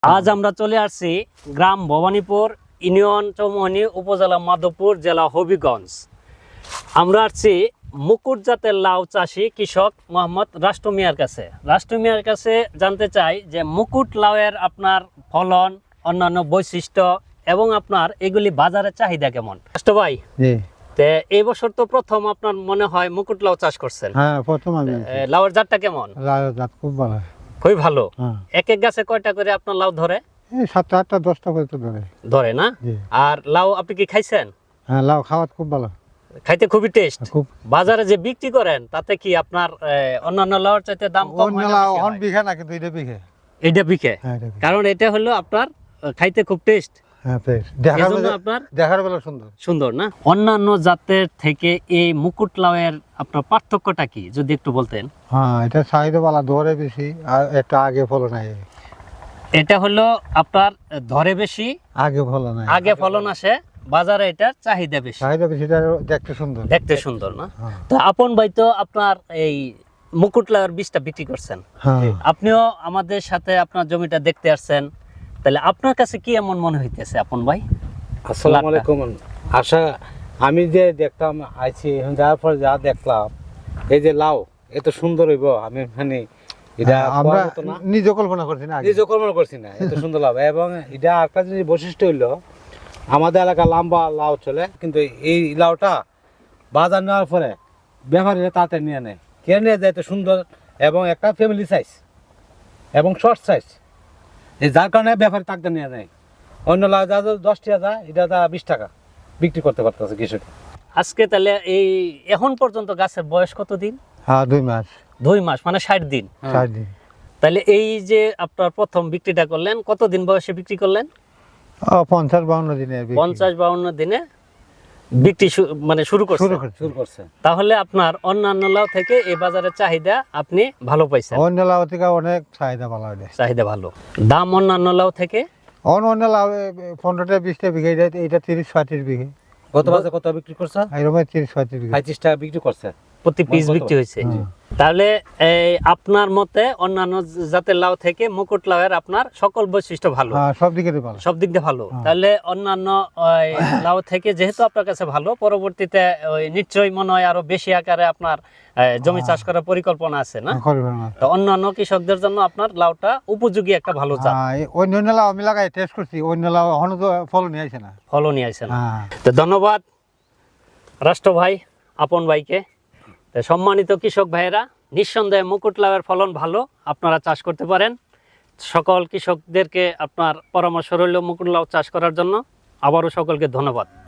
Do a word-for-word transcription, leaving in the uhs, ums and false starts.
আজ আমরা চলে আসছি গ্রাম ভবানীপুর, ইউনিয়ন চৌমোহনী, উপজেলা মাধবপুর, জেলা হবিগঞ্জ। আমরা আসছি মুকুট জাতের লাউ চাষি কৃষক মোহাম্মদ রাষ্ট্র মিয়ার কাছে। রাষ্ট্র মিয়ার কাছে জানতে চাই যে মুকুট লাউয়ের আপনার ফলন, অন্যান্য বৈশিষ্ট্য এবং আপনার এগুলি বাজারে চাহিদা কেমন। রাষ্ট্র ভাই, তে এই বছর তো প্রথম আপনার মনে হয় মুকুট লাউ চাষ করছেন। হ্যাঁ, প্রথম আমি। লাউয়ের জাতটা কেমন? লাউয়ের জাত খুব ভালো। খুবই ভালো। হ্যাঁ। এক এক গাছে কয়টা করে আপনার লাউ ধরে? এই সাতটা আটটা দশটা করে তো ধরে। ধরে না? জি। আর লাউ আপনি কি খাইছেন? হ্যাঁ, লাউ খাওয়া খুব ভালো। খাইতে খুবই টেস্ট। খুব। বাজারে যে বিক্রি করেন তাতে কি আপনার আহ, অন্যান্য লাউর চাইতে দাম কম অন্য হয় না, লাউ বেশি অন হয়? বিঘা না, কিন্তু এটা বিঘে। এটা বিকে। হ্যাঁ, এটা বিঘে। কারণ এটা হলো আপনার আহ, খাইতে খুব টেস্ট। হ্যাঁ, বেশ। দেখার এজন্য বেলা আপনার দেখার বেলা সুন্দর। সুন্দর না? অন্যান্য জাতের থেকে এই মুকুট লাউয়ের আপনার পার্থক্যটা কি যদি একটু বলতেন? হ্যাঁ, এটা চাহিদা বালা ধরে বেশি, আর একটা আগে ফলন নাই। এটা হলো আপনার ধরে বেশি, আগে ফলন নাই। আগে ফলন আসে, বাজারে এটার চাহিদা বেশি, চাহিদা বেশি, এটা দেখতে সুন্দর। দেখতে সুন্দর না? হ্যাঁ। তো আপন ভাই তো আপনার এই মুকুট লাউয়ের বীজটা বিক্রি করছেন, হ্যাঁ। আপনিও আমাদের সাথে আপনার জমিটা দেখতে আসছেন, তাহলে আপনার কাছে কি এমন মনে হইতেছে আপন ভাই? আসসালামু আলাইকুম। আশা আমি যে দেখতাম আইছি এখন যাওয়ার পর যা দেখলাম, এই যে লাউ এত সুন্দর হইব আমি মানে এটা আমরা পাওয়া যেত না। নিজে কল্পনা করছি না আগে। নিজে কল্পনা করছি না এত সুন্দর লাউ। এবং এটা একটা জিনিস বৈশিষ্ট্য হইলো, আমাদের এলাকা লম্বা লাউ চলে, কিন্তু এই লাউটা বাজার নেওয়ার পরে ব্যাপারীরা তাতে নিয়ে নেয়, কে নিয়ে যায় এত সুন্দর এবং একটা ফ্যামিলি সাইজ এবং শর্ট সাইজ, এই যার কারণে ব্যাপারী তাকে নিয়ে নেয়। অন্য লাউ যা দশ টাকা যায়, এটা তা বিশ টাকা বিক্রি করতে পারতেছে কৃষক। আজকে তাহলে এই এখন পর্যন্ত গাছের বয়স কত দিন? হ্যাঁ, দুই মাস দুই মাস মানে ষাট দিন। চার দিন। তাহলে এই যে আপনার প্রথম বিক্রিটা করলেন, কতদিন বয়সে বিক্রি করলেন? ও পঞ্চাশ বাউন্ন দিনে বিক্রি। পঞ্চাশ বাউন্ন দিনে বিক্রি শু- মানে শুরু করছেন। শুরু করছি। শুরু করছে। তাহলে আপনার অন্যান্য লাউ থেকে এই বাজারের চাহিদা আপনি ভালো পাইছেন। অন্য লাউ থেকে অনেক চাহিদা ভালো হয়। চাহিদা ভালো। দাম অন্যান্য লাউ থেকে? অন্য অন্য লাউ পনেরোটা বিশটা বিঘে, এটা এটা তিরিশ পঁয়ত্রিশ বিঘে। গত বাজারে কত বিক্রি করছে? এরকম তিরিশ পঁয়ত্রিশ বিঘে। পঁয়ত্রিশ টাকা বিক্রি করছে প্রতি পিস কত? বিক্রি হয়েছে। হুম। তাহলে এই আপনার মতে অন্যান্য জাতের লাউ থেকে মুকুট লাউয়ের আপনার সকল বৈশিষ্ট্য ভালো, হ্যাঁ, সব দিকে ভালো। সব দিক দিয়ে ভালো। হ্যাঁ। তাহলে অন্যান্য ওই লাউ থেকে যেহেতু আপনার কাছে ভালো, পরবর্তীতে ওই নিশ্চয়ই মনে হয় আরো বেশি আকারে আপনার আহ, জমি চাষ করার পরিকল্পনা আছে না? করবেন না। তো অন্যান্য কৃষকদের জন্য আপনার লাউটা উপযোগী একটা ভালো জাত। হ্যাঁ, এই অন্য অন্য লাউ আমি লাগাই টেস্ট করছি, অন্য লাউ এখনো তো ফলন নিয়ে আসে না। ফলন নিয়ে আসে না। হ্যাঁ। তো ধন্যবাদ রাষ্ট্র ভাই, আপন ভাইকে। তো সম্মানিত কৃষক ভাইয়েরা, নিঃসন্দেহে মুকুট লাউয়ের ফলন ভালো, আপনারা চাষ করতে পারেন। সকল কৃষকদেরকে আপনার পরামর্শ রইল মুকুট লাউ চাষ করার জন্য। আবারও সকলকে ধন্যবাদ।